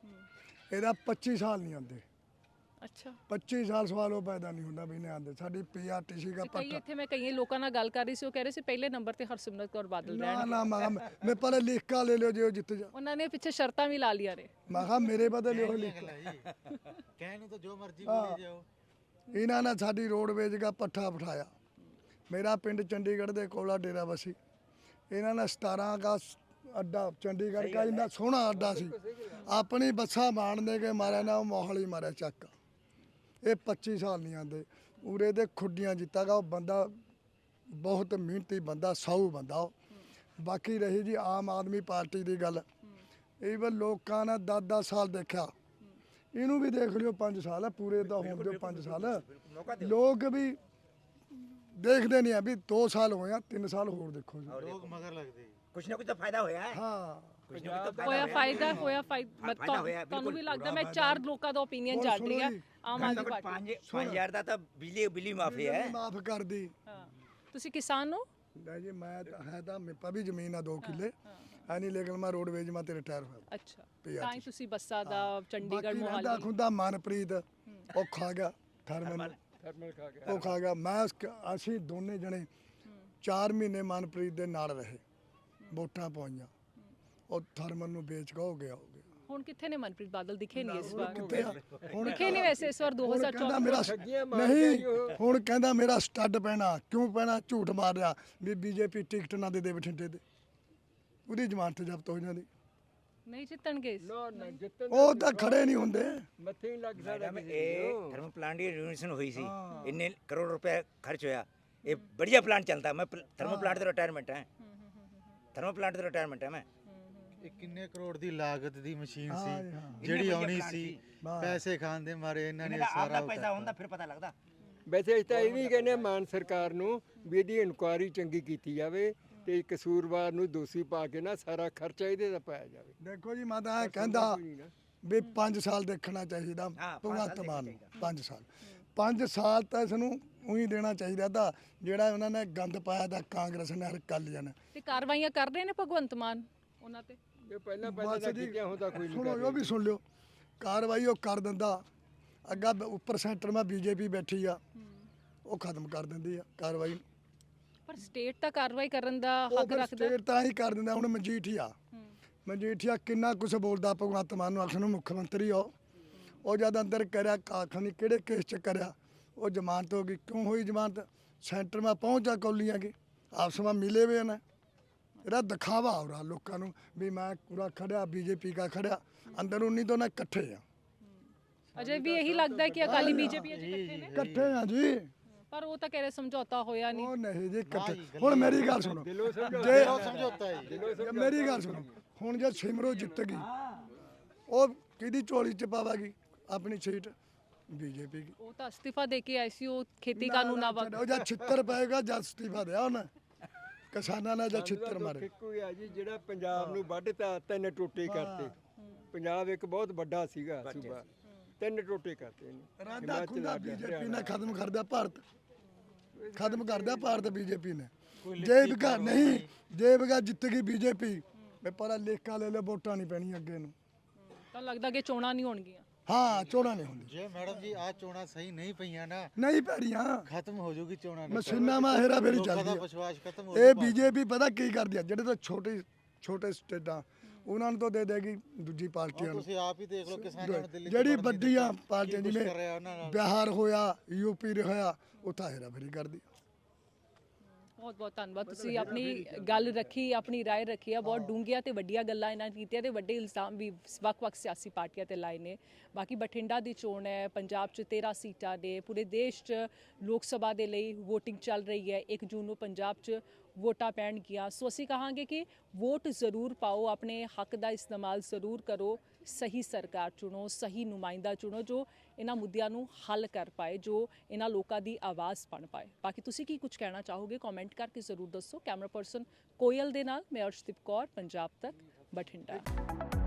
ਇਹਦਾ ਪੱਚੀ ਸਾਲ ਨਹੀਂ ਆਉਂਦੇ।
ਅੱਛਾ,
ਪੱਚੀ ਸਾਲ ਸਵਾਲ ਉਹ ਪੈਦਾ ਨਹੀਂ ਹੁੰਦਾ ਵੀ ਨਹੀਂ ਆਉਂਦੇ। ਸਾਡੀ ਪੀਆਰਟੀਸੀ ਦਾ
ਕਈ
ਪੱਟਾ
ਇੱਥੇ ਮੈਂ ਕਈ ਲੋਕਾਂ ਨਾਲ ਗੱਲ ਕਰ ਰਹੀ ਸੀ, ਉਹ ਕਹਿ ਰਹੇ ਸੀ ਪਹਿਲੇ ਨੰਬਰ ਤੇ ਹਰਸਿਮਰਤ ਕੌਰ ਬਾਦਲ
ਨਾ
ਰਹਿਣਗੇ।
ਨਾ ਮੈਂ ਮੈਂ ਪਹਿਲੇ ਲਿਖ ਕੇ ਲੈ ਲਿਓ ਜੇ ਉਹ ਜਿੱਤ ਜਾ।
ਉਹਨਾਂ ਨੇ ਪਿੱਛੇ ਸ਼ਰਤਾਂ ਵੀ ਲਾ ਲੀਆਂ ਨੇ।
ਮੈਂ ਕਿਹਾ ਮੇਰੇ ਬਦਲੇ ਉਹ ਲਿਖ
ਕਹਿਣ ਨੂੰ ਤਾਂ ਜੋ ਮਰਜ਼ੀ ਬੋਲੀ ਜਾਓ।
ਇਹਨਾਂ ਨੇ ਸਾਡੀ ਰੋਡਵੇਜ ਦਾ ਪੱਠਾ ਬਿਠਾਇਆ। ਮੇਰਾ ਪਿੰਡ ਚੰਡੀਗੜ੍ਹ ਦੇ ਕੋਲਾ ਡੇਰਾ ਬਸੀ। ਇਹਨਾਂ ਨੇ ਸਤਾਰਾਂ ਅਗਸਤ ਅੱਡਾ ਚੰਡੀਗੜ੍ਹ ਦਾ ਇੰਨਾ ਸੋਹਣਾ ਅੱਡਾ ਸੀ, ਆਪਣੀ ਬੱਸਾਂ ਮਾਣਦੇ ਕੇ ਮਾਰਿਆ ਨਾ, ਉਹ ਮੋਹਾਲੀ ਮਾਰਿਆ ਚੱਕ। ਇਹ ਪੱਚੀ ਸਾਲ ਨਹੀਂ ਆਉਂਦੇ ਉਰੇ ਦੇ ਖੁੱਡੀਆਂ ਜਿੱਤਾਗਾ। ਉਹ ਬੰਦਾ ਬਹੁਤ ਮਿਹਨਤੀ ਬੰਦਾ, ਸਾਊ ਬੰਦਾ ਉਹ। ਬਾਕੀ ਰਹੀ ਜੀ ਆਮ ਆਦਮੀ ਪਾਰਟੀ ਦੀ ਗੱਲ, ਇਹ ਵੀ ਲੋਕਾਂ ਨੇ ਦਸ ਦਸ ਸਾਲ ਦੇਖਿਆ, ਇਹਨੂੰ ਵੀ ਦੇਖ ਲਿਓ ਪੰਜ ਸਾਲ ਹੈ ਪੂਰੇ ਤਾਂ ਹੋਣ ਦਿਓ ਪੰਜ ਸਾਲ। ਲੋਕ ਵੀ ਦੇਖਦੇ ਨਹੀਂ ਆ ਵੀ ਦੋ ਸਾਲ ਹੋਏ ਆ, ਤਿੰਨ ਸਾਲ ਹੋਰ ਦੇਖੋ ਜੀ।
ਲੋਕ ਮਗਰ ਲੱਗਦੇ
ਕੁਛ ਨਾ ਕੁਛ ਤਾਂ ਫਾਇਦਾ ਹੋਇਆ ਹੈ।
ਹਾਂ,
ਕੁਛ ਨਾ ਕੁਛ ਤਾਂ
ਹੋਇਆ ਫਾਇਦਾ, ਹੋਇਆ
ਹਾਂ,
ਫਾਇਦਾ।
ਫਾਇਦਾ ਹੋਇਆ,
ਤੁਹਾਨੂੰ ਵੀ
ਬਿਲਕੁਲ।
ਲੱਗਦਾ? ਮੈਂ ਚਾਰ ਲੋਕਾਂ ਦਾ ਓਪੀਨੀਅਨ
ਹੋਰ
ਜਾਣ ਰਹੀ ਹਾਂ।
ਸੁਣੋ ਜੀ,
ਆਮ ਆਦਮੀ ਪਾਰਟੀ
ਪੰਜ ਪੰਜ ਹਜ਼ਾਰ ਦਾ ਤਾਂ ਬਿਜਲੀ ਬਿਜਲੀ ਮਾਫੀ ਹੈ।
ਮਾਫ ਕਰਦੀ।
ਹਾਂ। ਤੁਸੀਂ ਕਿਸਾਨ ਹੋ?
ਨਹੀਂ ਜੀ, ਮੈਂ ਤਾਂ ਹੈ ਤਾਂ ਮੇਰੇ ਪਾ ਵੀ ਜ਼ਮੀਨ ਆ ਦੋ ਕਿੱਲੇ ਐ ਨਹੀਂ, ਲੇਕਿਨ ਮੈਂ ਰੋਡਵੇਜ ਮੈਂ ਤੇ ਰਿਟਾਇਰ ਹੋਇਆ।
ਅੱਛਾ, ਤਾਂ ਹੀ ਤੁਸੀਂ ਬੱਸਾਂ ਦਾ ਚੰਡੀਗੜ੍ਹ
ਬਾਕੀ ਰਹਿੰਦਾ
ਮੋਹਾਲੀ।
ਖੁੰਦਾ ਮਨਪ੍ਰੀਤ ਉਹ ਖਾ ਗਿਆ ਥਰਮਲ,
ਥਰਮਲ ਖਾ ਗਿਆ।
ਉਹ ਖਾ ਗਿਆ। ਮੈਂ ਉਸ- ਅਸੀਂ ਦੋਨੇ ਜਣੇ ਚਾਰ ਮਹੀਨੇ ਮਨਪ੍ਰੀਤ ਦੇ ਨਾਲ ਰਹੇ, ਵੋਟਾਂ ਪਾਈਆਂ। ਉਹ ਥਰਮਲ ਨੂੰ ਵੇਚ ਕੇ ਹੋ ਗਿਆ ਹੋ ਗਿਆ।
ਹੁਣ ਕਿੱਥੇ ਨੇ ਮਨਪ੍ਰੀਤ ਬਾਦਲ? ਦਿਖੇ ਨਹੀਂ ਇਸ ਵਾਰ।
ਕਿੱਥੇ ਆ? ਹੁਣ
ਦਿਖੇ ਨਹੀਂ ਵੈਸੇ ਇਸ ਵਾਰ
ਹੁਣ ਕਹਿੰਦਾ
ਦੋ ਹਜ਼ਾਰ ਚੌਵੀ।
ਮੇਰਾ
ਠੱਗੀਆਂ ਮਾਰ ਕੇ
ਨਹੀਂ,
ਜੀ ਉਹ।
ਹੁਣ ਕਹਿੰਦਾ ਮੇਰਾ ਸਟੱਡ ਪੈਣਾ। ਕਿਉਂ ਪੈਣਾ? ਝੂਠ ਮਾਰ ਰਿਹਾ ਵੀ ਬੀਜੇਪੀ ਟਿਕਟ ਨਾ ਦੇ ਦੇ ਬਠਿੰਡੇ ਦੇ, ਉਹਦੀ ਜ਼ਮਾਨਤ ਜ਼ਬਤ ਹੋ ਜਾਂਦੀ।
ਨਹੀਂ ਜਿੱਤਣਗੇ ਇਸ।
ਨਾ ਨਾ ਜਿੱਤਣ
ਉਹ ਤਾਂ ਖੜੇ ਨਹੀਂ ਹੁੰਦੇ।
ਮੱਥੇ ਹੀ ਲੱਗ ਸਕਦਾ
ਮੈਡਮ
ਕਿਸੇ
ਇਹ
ਨੂੰ।
ਥਰਮਲ प्लांट की रिनोवेशन हुई सी, इन्ने करोड़ रुपए खर्च होया। ये बढ़िया प्लांट चलता है। मैं थर्मल प्लांट तो रिटायरमेंट है, थर्मल प्लांट तो रिटायरमेंट है मैं।
ਇਹ ਕਿੰਨੇ ਕਰੋੜ ਦੀ ਲਾਗਤ ਦੀ ਮਸ਼ੀਨ
ਹਾਂ
ਸੀ
ਜੀ, ਹਾਂ।
ਜਿਹੜੀ
ਇੰਨੇ
ਆਉਣੀ
ਵਧੀਆ
ਸੀ,
ਪਲਾਂਟ ਸੀ।
ਪੈਸੇ ਖਾਣ ਦੇ ਮਾਰੇ ਇਹਨਾਂ ਨੇ
इनका
ਸਾਰਾ
आपका पैसा होता फिर पता लगता।
ਵੈਸੇ ਅਸੀਂ ਤਾਂ ਇਹ ਵੀ ਕਹਿੰਦੇ ਹਾਂ ਮਾਨ ਸਰਕਾਰ ਨੂੰ ਵੀ ਇਹਦੀ ਇਨਕੁਆਇਰੀ ਚੰਗੀ ਕੀਤੀ ਜਾਵੇ ਤੇ ਕਸੂਰਵਾਰ ਨੂੰ ਦੋਸ਼ੀ ਪਾ ਕੇ ਨਾ ਸਾਰਾ ਖਰਚਾ ਇਹਦੇ ਦਾ ਪਾਇਆ ਜਾਵੇ।
ਦੇਖੋ ਜੀ, ਮੈਂ ਤਾਂ ਇਹ ਕਹਿੰਦਾ ਵੀ ਪੰਜ ਸਾਲ ਦੇਖਣਾ ਚਾਹੀਦਾ
ਹਾਂ, ਪੰਜ
ਭਗਵੰਤ
ਸਾਲ
ਮਾਨ ਨੂੰ।
ਦੇਖਣਾ
ਪੰਜ ਸਾਲ ਪੰਜ ਸਾਲ ਤਾਂ ਇਸ ਨੂੰ ਉਹੀ ਦੇਣਾ ਚਾਹੀਦਾ ਤਾਂ ਜਿਹੜਾ ਉਹਨਾਂ ਨੇ ਗੰਦ ਪਾਇਆ ਤਾਂ ਕਾਂਗਰਸ ਨੇ, ਅਕਾਲੀਆਂ ਨੇ।
ਤੇ ਕਾਰਵਾਈਆਂ ਕਰ ਰਹੇ ਨੇ ਭਗਵੰਤ ਮਾਨ ਉਹਨਾਂ ਤੇ?
ਜੇ ਪਹਿਲਾਂ ਪਹਿਲਾਂ
ਬਸ
ਤਾਂ
ਜੀ,
ਕੀਤੀਆਂ ਹੁੰਦਾ ਕੋਈ ਨਹੀਂ
ਸੁਣੋ
ਕਰ
ਉਹ ਵੀ ਸੁਣ ਲਿਓ, ਕਾਰਵਾਈ ਉਹ ਕਰ ਦਿੰਦਾ। ਅੱਗਾ ਬ- ਉੱਪਰ ਸੈਂਟਰ ਮੈਂ ਬੀਜੇਪੀ ਬੈਠੀ ਆ, ਉਹ ਖਤਮ ਕਰ ਦਿੰਦੀ ਆ ਕਾਰਵਾਈ।
ਪਰ ਸਟੇਟ ਤਾਂ ਕਾਰਵਾਈ ਕਰਨ ਦਾ
ਉਹ
ਹੱਕ
ਫਿਰ
ਰੱਖਦਾ।
ਸਟੇਟ ਤਾਂ ਹੀ ਕਰ ਦਿੰਦਾ। ਹੁਣ ਮਜੀਠੀਆ ਮਜੀਠੀਆ ਕਿੰਨਾ ਕੁਝ ਬੋਲਦਾ ਭਗਵੰਤ ਮਾਨ ਨੂੰ, ਆਖਣ ਨੂੰ ਮੁੱਖ ਮੰਤਰੀ ਹੋ। ਉਹ ਜਦ ਅੰਦਰ ਕਰਿਆ ਕਾਖਣੀ ਕਿਹੜੇ ਕੇਸ ਚ ਕਰਿਆ, ਉਹ ਜ਼ਮਾਨਤ ਹੋ ਗਈ। ਕਿਉਂ ਹੋਈ ਜ਼ਮਾਨਤ? ਸੈਂਟਰ ਮੈਂ ਪਹੁੰਚਾ ਕੌਲੀਆਂ ਕੇ ਆਪਸ ਵਿੱਚ ਮਿਲੇ ਹੋਏ ਨੇ। ਇਹਦਾ ਦਿਖਾਵਾ ਹੋ ਰਿਹਾ ਲੋਕਾਂ ਨੂੰ ਵੀ ਮੈਂ ਪੂਰਾ ਖੜਿਆ, ਬੀਜੇਪੀ ਦਾ ਖੜਿਆ। ਅੰਦਰ ਉਨੀ ਤੋਂ ਨਾ ਇਕੱਠੇ ਆ,
ਅਜੇ ਵੀ ਇਹੀ ਲੱਗਦਾ ਹੈ ਕਿ ਅਕਾਲੀ ਬੀਜੇਪੀ ਅਜੇ ਇਕੱਠੇ ਨੇ।
ਇਕੱਠੇ ਆ ਜੀ।
ਪਰ ਉਹ ਤਾਂ ਕਹਿ ਰਹੇ ਸਮਝੌਤਾ ਹੋਇਆ ਨਹੀਂ।
ਉਹ ਨਹੀਂ ਜੀ ਕਿੱਥੇ, ਹੁਣ ਮੇਰੀ ਗੱਲ ਸੁਣੋ, ਜੇ ਜੇ ਮੇਰੀ ਗੱਲ ਸੁਣੋ, ਹੁਣ ਜੇ ਸਿਮਰੋ ਜਿੱਤ ਗਈ, ਉਹ ਕਿਹਦੀ ਝੋਲੀ ਚ ਪਾਵੇਗੀ ਆਪਣੀ ਸੀਟ? ਬੀਜੇਪੀ ਦੀ।
ਉਹ ਤਾਂ ਅਸਤੀਫਾ ਦੇ ਕੇ ਆਈ ਸੀ, ਉਹ ਖੇਤੀ ਕਾਨੂੰਨਾਂ ਬਾਰੇ
ਉਹ ਜਦ ਛਿੱਤਰ ਪਏਗਾ ਜਦ ਅਸਤੀਫਾ ਦਿਆ ਉਹਨੇ, ਕਿਸਾਨਾਂ ਨੇ ਜਦ ਛਿੱਤਰ ਮਾਰੇ।
ਇੱਕੋ ਹੀ ਆ ਜੀ, ਜਿਹੜਾ ਪੰਜਾਬ ਨੂੰ ਵੱਢਤਾ, ਤਿੰਨ ਟੋਟੇ ਕਰਤੇ। ਪੰਜਾਬ ਇੱਕ ਬਹੁਤ ਵੱਡਾ ਸੀਗਾ ਸੂਬਾ, ਤਿੰਨ ਟੋਟੇ ਕਰਤੇ ਇਹਨੇ।
ਰਾਦਾ ਖੁੰਦਾ ਬੀਜੇਪੀ ਨੇ ਖਤਮ ਕਰ ਦਿਆ ਭਾਰਤ, ਖਤਮ ਕਰ ਦਿਆ ਭਾਰਤ ਬੀਜੇਪੀ ਨੇ। ਜੇ ਵਿਗਾ ਨਹੀਂ, ਜੇ ਵਿਗਾ ਜਿੱਤ ਗਈ ਬੀਜੇਪੀ, ਮੈਂ ਪਰ ਲੇਖਾ ਲੈ ਲੈ, ਵੋਟਾਂ ਨਹੀਂ ਪੈਣੀਆਂ ਅੱਗੇ ਨੂੰ।
ਤਾਂ ਲੱਗਦਾ ਕਿ ਚੋਣਾਂ ਨਹੀਂ ਹੋਣਗੀਆਂ।
ਹਾਂ, ਚੋਣਾਂ ਨਹੀਂ ਹੁੰਦੀ
ਜੇ ਮੈਡਮ ਜੀ ਆ ਚੋਣਾਂ ਸਹੀ ਨਹੀਂ ਪਈਆਂ ਨਾ,
ਨਹੀਂ ਪੈਣੀਆਂ,
ਖਤਮ ਹੋ ਜੂਗੀ ਚੋਣਾਂ।
ਮਸ਼ੀਨਾਂ ਮਾ ਹੇਰਾ ਫੇਰੀ
ਲੋਕਾਂ ਦਾ
ਚੱਲਦੀ
ਵਿਸ਼ਵਾਸ ਖਤਮ ਹੋ
ਹੈ। ਇਹ
ਜੂਗਾ।
ਬੀਜੇਪੀ ਪਤਾ ਕੀ ਕਰਦੀ ਆ, ਜਿਹੜੇ ਤਾਂ ਛੋਟੇ ਛੋਟੇ ਸਟੇਟਾਂ ਉਹਨਾਂ ਨੂੰ ਤਾਂ ਦੇ ਦੇਗੀ ਦੂਜੀ ਪਾਰਟੀਆਂ ਨੂੰ।
ਤੁਸੀਂ ਆਪ ਹੀ ਦੇਖ ਲਓ ਕਿਸਾਨਾਂ ਨੂੰ ਦਿੱਲੀ 'ਚ
ਜਿਹੜੀ
ਵੜਨ ਨਹੀਂ
ਵੱਡੀਆਂ
ਦਿੱਤਾ।
ਪਾਰਟੀਆਂ
ਕੀ ਕੁਛ
ਜਿਵੇਂ
ਕਰ ਰਿਹਾ ਉਹਨਾਂ ਨਾਲ।
ਬਿਹਾਰ ਹੋਇਆ, ਯੂਪੀ ਹੋਇਆ, ਉੱਥਾ ਹੇਰਾ ਫੇਰੀ ਕਰਦੀ।
ਬਹੁਤ ਬਹੁਤ ਧੰਨਵਾਦ, ਤੁਸੀਂ ਆਪਣੀ ਗੱਲ ਰੱਖੀ, ਆਪਣੀ ਰਾਏ ਰੱਖੀ ਆ। ਬਹੁਤ ਡੂੰਘੀਆਂ ਤੇ ਵੱਡੀਆਂ ਗੱਲਾਂ ਇਹਨਾਂ ਨੇ ਕੀਤੀਆਂ ਤੇ ਵੱਡੇ ਇਲਜ਼ਾਮ ਵੀ ਵੱਖ-ਵੱਖ ਸਿਆਸੀ ਪਾਰਟੀਆਂ ਤੇ ਲਾਏ ਨੇ। ਬਾਕੀ ਬਠਿੰਡਾ ਦੀ ਚੋਣ ਹੈ, ਪੰਜਾਬ 'ਚ ਤੇਰਾਂ ਸੀਟਾਂ ਨੇ, ਪੂਰੇ ਦੇਸ਼ 'ਚ ਲੋਕ ਸਭਾ ਦੇ ਲਈ VOTING ਚੱਲ ਰਹੀ ਹੈ। ਇੱਕ ਜੂਨ ਨੂੰ ਪੰਜਾਬ 'ਚ ਵੋਟਾਂ ਪੈਣਗੀਆਂ। ਸੋ ਅਸੀਂ ਕਹਾਂਗੇ ਕਿ ਵੋਟ ਜ਼ਰੂਰ ਪਾਓ, ਆਪਣੇ ਹੱਕ ਦਾ ਇਸਤੇਮਾਲ ਜ਼ਰੂਰ ਕਰੋ, ਸਹੀ ਸਰਕਾਰ ਚੁਣੋ, ਸਹੀ ਨੁਮਾਇੰਦਾ ਚੁਣੋ ਜੋ ਇਹਨਾਂ ਮੁੱਦਿਆਂ ਨੂੰ ਹੱਲ ਕਰ ਪਾਏ, ਜੋ ਇਹਨਾਂ ਲੋਕਾਂ ਦੀ ਆਵਾਜ਼ ਬਣ ਪਾਏ। ਬਾਕੀ ਤੁਸੀਂ ਕੀ ਕੁਝ ਕਹਿਣਾ ਚਾਹੋਗੇ ਕਮੈਂਟ ਕਰਕੇ ਜ਼ਰੂਰ ਦੱਸੋ। ਕੈਮਰਾ ਪਰਸਨ ਕੋਇਲ ਦੇ ਨਾਲ ਮੈਂ ਅਰਸ਼ਦੀਪ ਕੌਰ, ਪੰਜਾਬ ਤੱਕ, ਬਠਿੰਡਾ।